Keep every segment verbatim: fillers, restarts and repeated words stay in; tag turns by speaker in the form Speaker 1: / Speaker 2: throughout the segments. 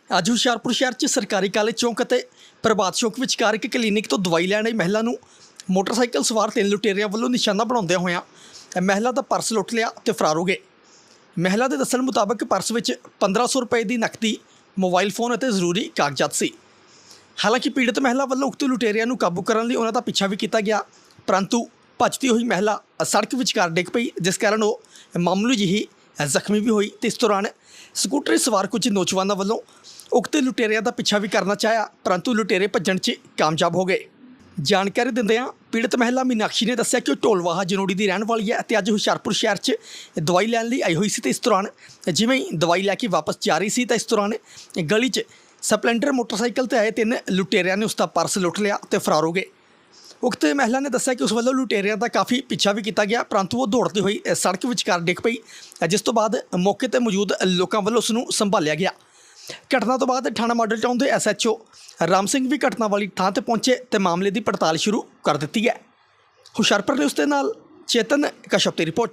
Speaker 1: ਅੱਜ ਹੁਸ਼ਿਆਰਪੁਰ ਸ਼ਹਿਰ 'ਚ ਸਰਕਾਰੀ ਕਾਲਜ ਚੌਂਕ ਅਤੇ ਪ੍ਰਭਾਤ ਚੌਂਕ ਵਿਚਕਾਰ ਇੱਕ ਕਲੀਨਿਕ ਤੋਂ ਦਵਾਈ ਲੈਣ ਆਈ ਮਹਿਲਾ ਨੂੰ ਮੋਟਰਸਾਈਕਲ ਸਵਾਰ ਤਿੰਨ ਲੁਟੇਰਿਆਂ ਵੱਲੋਂ ਨਿਸ਼ਾਨਾ ਬਣਾਉਂਦਿਆਂ ਹੋਇਆਂ ਮਹਿਲਾ ਦਾ ਪਰਸ ਲੁੱਟ ਲਿਆ ਤੇ ਫਰਾਰ ਹੋ ਗਏ। ਮਹਿਲਾ ਦੇ ਦੱਸਣ ਮੁਤਾਬਕ ਪਰਸ ਵਿੱਚ ਪੰਦਰਾਂ ਸੌ ਰੁਪਏ ਦੀ ਨਕਦੀ, ਮੋਬਾਈਲ ਫੋਨ ਅਤੇ ਜ਼ਰੂਰੀ ਕਾਗਜ਼ਾਤ ਸੀ। ਹਾਲਾਂਕਿ ਪੀੜਤ ਮਹਿਲਾ ਵੱਲੋਂ ਉਕਤ ਲੁਟੇਰਿਆਂ ਨੂੰ ਕਾਬੂ ਕਰਨ ਲਈ ਉਹਨਾਂ ਦਾ ਪਿੱਛਾ ਵੀ ਕੀਤਾ ਗਿਆ, ਪਰੰਤੂ ਭੱਜਦੀ ਹੋਈ ਮਹਿਲਾ ਸੜਕ ਵਿਚਕਾਰ ਡਿੱਗ ਪਈ, ਜਿਸ ਕਾਰਨ ਉਹ ਮਾਮੂਲੀ ਜਿਹੀ ਜ਼ਖਮੀ ਵੀ ਹੋਈ। ਤੇ ਇਸ ਦੌਰਾਨ ਸਕੂਟਰੀ ਸਵਾਰ ਕੁਝ ਨੌਜਵਾਨਾਂ ਵੱਲੋਂ ਉਕਤ ਲੁਟੇਰਿਆਂ ਦਾ ਪਿੱਛਾ ਵੀ ਕਰਨਾ ਚਾਹਿਆ, ਪਰੰਤੂ ਲੁਟੇਰੇ ਭੱਜਣ 'ਚ ਕਾਮਯਾਬ ਹੋ ਗਏ। ਜਾਣਕਾਰੀ ਦਿੰਦਿਆਂ ਪੀੜਤ ਮਹਿਲਾ ਮੀਨਾਕਸ਼ੀ ਨੇ ਦੱਸਿਆ ਕਿ ਉਹ ਢੋਲਵਾਹਾ ਜਨੋੜੀ ਦੀ ਰਹਿਣ ਵਾਲੀ ਹੈ ਅਤੇ ਅੱਜ ਹੁਸ਼ਿਆਰਪੁਰ ਸ਼ਹਿਰ 'ਚ ਦਵਾਈ ਲੈਣ ਲਈ ਆਈ ਹੋਈ ਸੀ। ਤੇ ਇਸ ਦੌਰਾਨ ਜਿਵੇਂ ਹੀ ਦਵਾਈ ਲੈ ਕੇ ਵਾਪਸ ਜਾ ਰਹੀ ਸੀ ਤਾਂ ਇਸ ਦੌਰਾਨ ਗਲੀ 'ਚ ਸਪਲੈਂਡਰ ਮੋਟਰਸਾਈਕਲ 'ਤੇ ਆਏ ਤਿੰਨ ਲੁਟੇਰਿਆਂ ਨੇ ਉਸ ਦਾ ਪਰਸ ਲੁੱਟ ਲਿਆ ਤੇ ਫਰਾਰ ਹੋ ਗਏ। ਉਕਤ ਮਹਿਲਾ ਨੇ ਦੱਸਿਆ ਕਿ ਉਸ ਵੱਲੋਂ ਲੁਟੇਰਿਆਂ ਦਾ ਕਾਫੀ ਪਿੱਛਾ ਵੀ ਕੀਤਾ ਗਿਆ, ਪਰੰਤੂ ਉਹ ਦੌੜਦੀ ਹੋਈ ਸੜਕ ਵਿਚਕਾਰ ਡਿੱਗ ਪਈ, ਜਿਸ ਤੋਂ ਬਾਅਦ ਮੌਕੇ 'ਤੇ ਮੌਜੂਦ ਲੋਕਾਂ ਵੱਲੋਂ ਉਸ ਨੂੰ ਸੰਭਾਲਿਆ ਗਿਆ। ਘਟਨਾ ਤੋਂ ਬਾਅਦ ਥਾਣਾ ਮਾਡਲ ਟਾਊਨ ਦੇ S H O Ram Singh ਵੀ ਘਟਨਾ ਵਾਲੀ ਥਾਂ 'ਤੇ ਪਹੁੰਚੇ ਤੇ ਮਾਮਲੇ ਦੀ ਪੜਤਾਲ ਸ਼ੁਰੂ ਕਰ ਦਿੱਤੀ ਹੈ। ਹੁਸ਼ਿਆਰਪੁਰ ਨਿਊਜ਼ ਦੇ ਨਾਲ ਚੇਤਨ ਕਸ਼ਪ ਦੀ ਰਿਪੋਰਟ।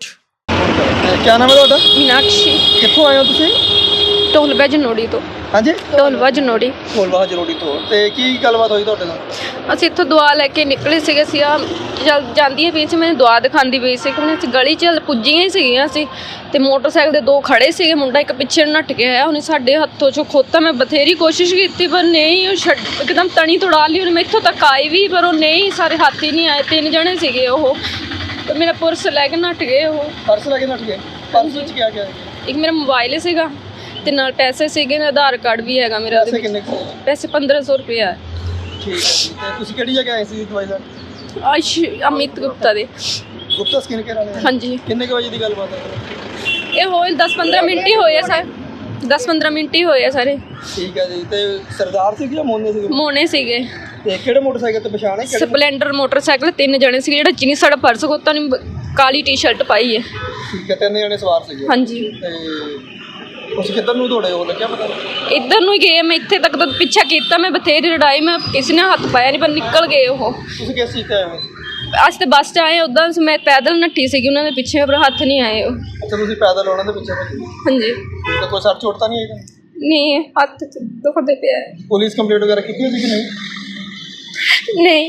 Speaker 2: ਕੀ ਨਾਮ ਹੈ ਤੁਹਾਡਾ?
Speaker 3: ਮੀਨਾਕਸ਼ੀ।
Speaker 2: ਕਿੱਥੋਂ ਆਏ ਹੋ ਤੁਸੀਂ?
Speaker 3: ਢੋਲਵਾ ਜਨੋੜੀ ਤੋਂ।
Speaker 2: ਹਾਂਜੀ,
Speaker 3: ਢੋਲਵਾ ਜਨੋੜੀ।
Speaker 2: ਢੋਲਵਾਹਾ ਜਨੋੜੀ ਤੋਂ। ਤੇ ਕੀ ਗੱਲਬਾਤ ਹੋਈ ਤੁਹਾਡੇ ਨਾਲ?
Speaker 3: ਅਸੀਂ ਇੱਥੋਂ ਦਵਾ ਲੈ ਕੇ ਨਿਕਲੇ ਸੀਗੇ ਅਸੀਂ ਆ ਜਲ ਜਾਂਦੀ ਪਈ ਸੀ, ਮੈਨੂੰ ਦਵਾ ਦਿਖਾਉਂਦੀ ਪਈ ਸੀ ਕਿ ਅਸੀਂ ਗਲੀ 'ਚ ਪੁੱਜੀਆਂ ਹੀ ਸੀਗੀਆਂ ਅਸੀਂ ਤੇ ਮੋਟਰਸਾਈਕਲ ਦੇ ਦੋ ਖੜੇ ਸੀਗੇ, ਮੁੰਡਾ ਇੱਕ ਪਿੱਛੇ ਨੱਠ ਕੇ ਆਇਆ, ਉਹਨੇ ਸਾਡੇ ਹੱਥੋਂ 'ਚੋਂ ਖੋਤਾ। ਮੈਂ ਬਥੇਰੀ ਕੋਸ਼ਿਸ਼ ਕੀਤੀ ਪਰ ਨਹੀਂ, ਉਹ ਛੱਡ ਇੱਕਦਮ ਤਣੀ ਤੁੜਾ ਲਈ ਉਹਨੇ। ਮੈਂ ਇੱਥੋਂ ਤੱਕ ਆਈ ਵੀ ਪਰ ਉਹ ਨਹੀਂ, ਸਾਰੇ ਹੱਥ ਹੀ ਨਹੀਂ ਆਏ। ਤਿੰਨ ਜਣੇ ਸੀਗੇ ਉਹ ਤੇ ਮੇਰਾ ਪਰਸ ਲੈ ਕੇ ਨੱਠ ਗਏ। ਉਹ
Speaker 2: ਪਰਸ ਲੈ ਕੇ ਨੱਠ ਗਏ? ਪਰਸ ਵਿੱਚ ਕੀ ਗਿਆ?
Speaker 3: ਇੱਕ ਮੇਰਾ ਮੋਬਾਈਲ ਸੀਗਾ ਤੇ ਨਾਲ ਪੈਸੇ ਸੀਗੇ, ਨਾ ਆਧਾਰ ਕਾਰਡ ਵੀ ਹੈਗਾ ਮੇਰਾ।
Speaker 2: ਪੈਸੇ ਕਿੰਨੇ ਕੁ?
Speaker 3: ਪੈਸੇ ਪੰਦਰਾਂ ਸੌ ਰੁਪਇਆ।
Speaker 2: ਠੀਕ ਹੈ। ਤੇ ਤੁਸੀਂ ਕਿਹੜੀ ਜਗ੍ਹਾ ਆਏ ਸੀ ਦਵਾਈ ਲੈਣ?
Speaker 3: ਆਸ਼ ਅਮਿਤ ਗੁਪਤਾ ਦੇ।
Speaker 2: ਗੁਪਤਾ ਸਕਿਨ ਕੇਅਰ ਵਾਲੇ?
Speaker 3: ਹਾਂਜੀ।
Speaker 2: ਕਿੰਨੇ ਕੁ ਵਜੇ ਦੀ ਗੱਲਬਾਤ ਹੈ?
Speaker 3: ਇਹ ਹੋਏ ਦਸ ਪੰਦਰਾਂ ਮਿੰਟ ਹੀ ਹੋਏ ਆ ਸਾਰੇ, ਦਸ ਪੰਦਰਾਂ ਮਿੰਟ ਹੀ ਹੋਏ ਆ ਸਾਰੇ।
Speaker 2: ਠੀਕ ਹੈ ਜੀ। ਤੇ ਸਰਦਾਰ ਸੀ ਜਾਂ ਮੋਨੇ ਸੀ?
Speaker 3: ਮੋਨੇ ਸੀਗੇ।
Speaker 2: ਤੇ ਕਿਹੜੇ ਮੋਟਰਸਾਈਕਲ ਤੇ ਪਛਾਣ ਹੈ?
Speaker 3: ਸਪਲੈਂਡਰ ਮੋਟਰਸਾਈਕਲ, ਤਿੰਨ ਜਣੇ ਸੀਗੇ। ਜਿਹੜਾ ਚੀਨੀ ਸਾਡਾ ਪਰਸ ਖੋਤਾ ਨੇ, ਕਾਲੀ ਟੀ ਸ਼ਰਟ ਪਾਈ ਹੈ।
Speaker 2: ਠੀਕ ਹੈ, ਤਿੰਨ ਜਣੇ ਸਵਾਰ ਸੀਗੇ।
Speaker 3: ਹਾਂਜੀ।
Speaker 2: ਤੇ ਤੁਸੀਂ ਕਿੱਧਰ ਨੂੰ ਦੌੜੇ ਹੋ, ਲੱਗਿਆ ਪਤਾ?
Speaker 3: ਇੱਧਰ ਨੂੰ ਹੀ ਗਏ, ਮੈਂ ਇੱਥੇ ਤੱਕ ਤਾਂ ਪਿੱਛਾ ਕੀਤਾ, ਮੈਂ ਬਥੇਰੀ ਲੜਾਈ, ਮੈਂ ਕਿਸੇ ਨੇ ਹੱਥ ਪਾਇਆ ਨਹੀਂ ਪਰ ਨਿਕਲ ਗਏ ਉਹ।
Speaker 2: ਤੁਸੀਂ ਕਿਸ ਚੀਜ਼ ਤੇ ਆਏ ਹੋ?
Speaker 3: ਅੱਜ ਤੇ ਬੱਸ 'ਚ ਆਏ, ਉੱਦਾਂ ਮੈਂ ਪੈਦਲ ਨੱਠੀ ਸੀਗੀ ਉਹਨਾਂ ਦੇ ਪਿੱਛੇ, ਪਰ ਹੱਥ ਨਹੀਂ ਆਏ ਉਹ।
Speaker 2: ਅੱਛਾ, ਤੁਸੀਂ ਪੈਦਲ ਉਹਨਾਂ ਦੇ ਪਿੱਛੇ ਭੱਜੇ?
Speaker 3: ਹਾਂਜੀ।
Speaker 2: ਤੇ ਕੋਈ ਸੱਟ ਚੋਟ ਤਾਂ ਨਹੀਂ ਆਈ?
Speaker 3: ਨਹੀਂ, ਹੱਥ ਦੁਖਦੇ ਪਿਆ।
Speaker 2: ਪੁਲਿਸ ਕੰਪਲੇਂਟ ਵਗੈਰਾ ਕੀਤੀ ਸੀ ਕਿ ਨਹੀਂ?
Speaker 3: ਨਹੀਂ।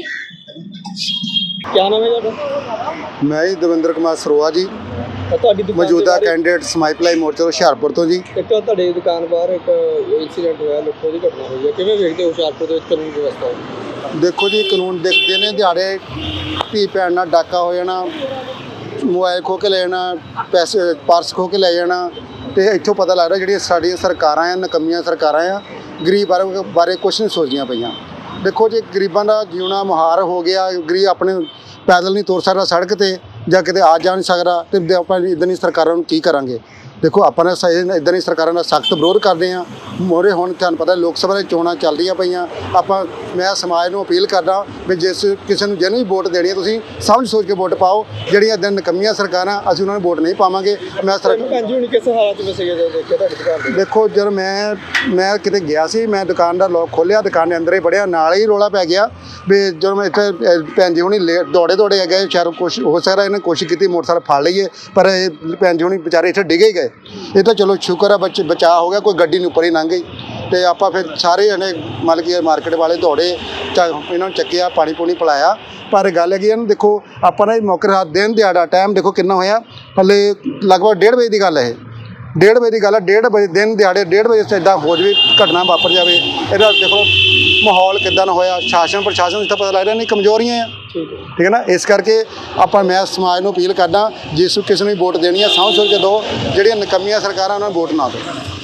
Speaker 2: ਕੀ ਨਾਮ ਹੈ ਤੁਹਾਡਾ?
Speaker 4: ਮੈਂ ਜੀ ਦਵਿੰਦਰ ਕੁਮਾਰ ਸਰੋਆ ਜੀ,
Speaker 2: ਤੁਹਾਡੀ ਦੁਕਾਨ
Speaker 4: ਮੌਜੂਦਾ ਕੈਂਡੀਡੇਟ ਸਮਾਈਪਲਾਈ ਮੋਰਚਾ ਹੁਸ਼ਿਆਰਪੁਰ ਤੋਂ ਜੀ।
Speaker 2: ਇੱਕ ਤੁਹਾਡੇ ਦੁਕਾਨ ਬਾਹਰ ਇੱਕ ਇਨਸੀਡੈਂਟ ਹੋਇਆ, ਲੁੱਟੋ ਦੀ ਘਟਨਾ ਹੋਈ ਹੈ, ਕਿਵੇਂ ਵੇਖਦੇ ਹੋ ਹੁਸ਼ਿਆਰਪੁਰ ਦੇ ਵਿੱਚ ਕਾਨੂੰਨ ਵਿਵਸਥਾ?
Speaker 4: ਦੇਖੋ ਜੀ, ਕਾਨੂੰਨ ਦੇਖਦੇ ਨੇ ਦਿਹਾੜੇ ਧੀ ਭੈਣ ਨਾਲ ਡਾਕਾ ਹੋ ਜਾਣਾ, ਮੋਬਾਈਲ ਖੋਹ ਕੇ ਲੈ ਜਾਣਾ, ਪੈਸੇ ਪਰਸ ਖੋਹ ਕੇ ਲੈ ਜਾਣਾ, ਅਤੇ ਇੱਥੋਂ ਪਤਾ ਲੱਗਦਾ ਜਿਹੜੀਆਂ ਸਾਡੀਆਂ ਸਰਕਾਰਾਂ ਆ, ਨਕੰਮੀਆਂ ਸਰਕਾਰਾਂ ਆ, ਗਰੀਬ ਬਾਰੇ ਬਾਰੇ ਕੁਛ ਨਹੀਂ ਸੋਚਦੀਆਂ ਪਈਆਂ। ਦੇਖੋ ਜੀ, ਗਰੀਬਾਂ ਦਾ ਜਿਉਣਾ ਮੁਹਾਰ ਹੋ ਗਿਆ, ਗਰੀਬ ਆਪਣੇ ਪੈਦਲ ਨਹੀਂ ਤੁਰ ਸਕਦਾ ਸੜਕ 'ਤੇ, ਜਾਂ ਕਿਤੇ ਆ ਜਾ ਨਹੀਂ ਸਕਦਾ, ਅਤੇ ਆਪਾਂ ਇੱਦਾਂ ਦੀ ਸਰਕਾਰਾਂ ਨੂੰ ਕੀ ਕਰਾਂਗੇ? ਦੇਖੋ, ਆਪਾਂ ਨੇ ਇੱਦਾਂ ਦੀ ਸਰਕਾਰਾਂ ਦਾ ਸਖਤ ਵਿਰੋਧ ਕਰਦੇ ਹਾਂ। ਮੋਰੇ ਹੁਣ ਤੁਹਾਨੂੰ ਪਤਾ ਲੋਕ ਸਭਾ ਦੀਆਂ ਚੋਣਾਂ ਚੱਲਦੀਆਂ ਪਈਆਂ। ਆਪਾਂ ਮੈਂ ਸਮਾਜ ਨੂੰ ਅਪੀਲ ਕਰਦਾ ਵੀ ਜਿਸ ਕਿਸੇ ਨੂੰ ਜਿਹਨੂੰ ਵੀ ਵੋਟ ਦੇਣੀ ਹੈ, ਤੁਸੀਂ ਸਮਝ ਸੋਚ ਕੇ ਵੋਟ ਪਾਓ। ਜਿਹੜੀਆਂ ਇੱਦਾਂ ਨਕੰਮੀਆਂ ਸਰਕਾਰਾਂ, ਅਸੀਂ ਉਹਨਾਂ ਨੂੰ ਵੋਟ ਨਹੀਂ ਪਾਵਾਂਗੇ। ਮੈਂ ਸਰਕਾਰ
Speaker 2: ਭੈਣ ਜੀ ਹੁਣ ਕਿਸ ਹਾਲਾਤ ਵਿੱਚ ਸੀਗੇ ਜਦੋਂ ਦੇਖਿਆ ਤੁਹਾਡੀ ਦੁਕਾਨ ਦੇ?
Speaker 4: ਦੇਖੋ, ਜਦੋਂ ਮੈਂ ਮੈਂ ਕਿਤੇ ਗਿਆ ਸੀ, ਮੈਂ ਦੁਕਾਨ ਦਾ ਲੋਕ ਖੋਲ੍ਹਿਆ, ਦੁਕਾਨ ਦੇ ਅੰਦਰ ਹੀ ਵੜਿਆ, ਨਾਲ ਹੀ ਰੌਲਾ ਪੈ ਗਿਆ ਵੀ ਜਦੋਂ ਮੈਂ ਇੱਥੇ ਭੈਣ ਜੀ ਹੁਣੀ ਲੇ ਦੌੜੇ ਦੌੜੇ ਗਏ, ਸ਼ਾਇਦ ਕੁਛ ਹੋ ਸਕਦਾ ਇਹਨੇ ਕੋਸ਼ਿਸ਼ ਕੀਤੀ ਮੋਟਰਸਾਈਕਲ ਫੜ ਲਈਏ, ਪਰ ਇਹ ਭੈਣ ਜੀ ਹੁਣੀ ਵਿਚਾਰੇ ਇੱਥੇ ਡਿੱਗੇ ਗਏ। ਇਹ ਤਾਂ ਚਲੋ ਸ਼ੁਕਰ ਆ ਬੱਚ ਬਚਾਅ ਹੋ ਗਿਆ, ਕੋਈ ਗੱਡੀ ਨੂੰ ਉੱਪਰ ਹੀ ਲੰਘ ਗਈ। ਅਤੇ ਆਪਾਂ ਫਿਰ ਸਾਰੇ ਜਣੇ ਮਤਲਬ ਕਿ ਮਾਰਕੀਟ ਵਾਲੇ ਦੌੜੇ, ਚ ਇਹਨਾਂ ਨੂੰ ਚੱਕਿਆ, ਪਾਣੀ ਪੂਣੀ ਪਿਲਾਇਆ। ਪਰ ਗੱਲ ਹੈਗੀ ਇਹਨੂੰ ਦੇਖੋ, ਆਪਾਂ ਨਾ ਮੌਕੇ ਰਾਤ ਦਿਨ ਦਿਹਾੜਾ ਟਾਈਮ ਦੇਖੋ ਕਿੰਨਾ ਹੋਇਆ, ਹਲੇ ਲਗਭਗ ਡੇਢ ਵਜੇ ਦੀ ਗੱਲ ਹੈ। ਇਹ ਡੇਢ ਵਜੇ ਦੀ ਗੱਲ ਹੈ। ਡੇਢ ਵਜੇ ਦਿਨ ਦਿਹਾੜੇ ਡੇਢ ਵਜੇ ਇੱਦਾਂ ਹੋ ਜਾਵੇ, ਘਟਨਾ ਵਾਪਰ ਜਾਵੇ, ਇਹਦਾ ਦੇਖੋ ਮਾਹੌਲ ਕਿੱਦਾਂ ਹੋਇਆ। ਸ਼ਾਸਨ ਪ੍ਰਸ਼ਾਸਨ ਨੂੰ ਤਾਂ ਪਤਾ ਲੱਗਦਾ ਨਹੀਂ, ਕਮਜ਼ੋਰੀਆਂ ਆ। ਠੀਕ ਹੈ ਨਾ? ਇਸ ਕਰਕੇ ਆਪਾਂ ਮੈਂ ਸਮਾਜ ਨੂੰ ਅਪੀਲ ਕਰਦਾ, ਜਿਸ ਕਿਸੇ ਨੂੰ ਵੋਟ ਦੇਣੀ ਆ ਸਮਝ ਸੋਚ ਕੇ ਦਿਓ, ਜਿਹੜੀਆਂ ਨਕੰਮੀਆਂ ਸਰਕਾਰਾਂ ਉਹਨਾਂ ਨੂੰ ਵੋਟ ਨਾ ਦਿਓ।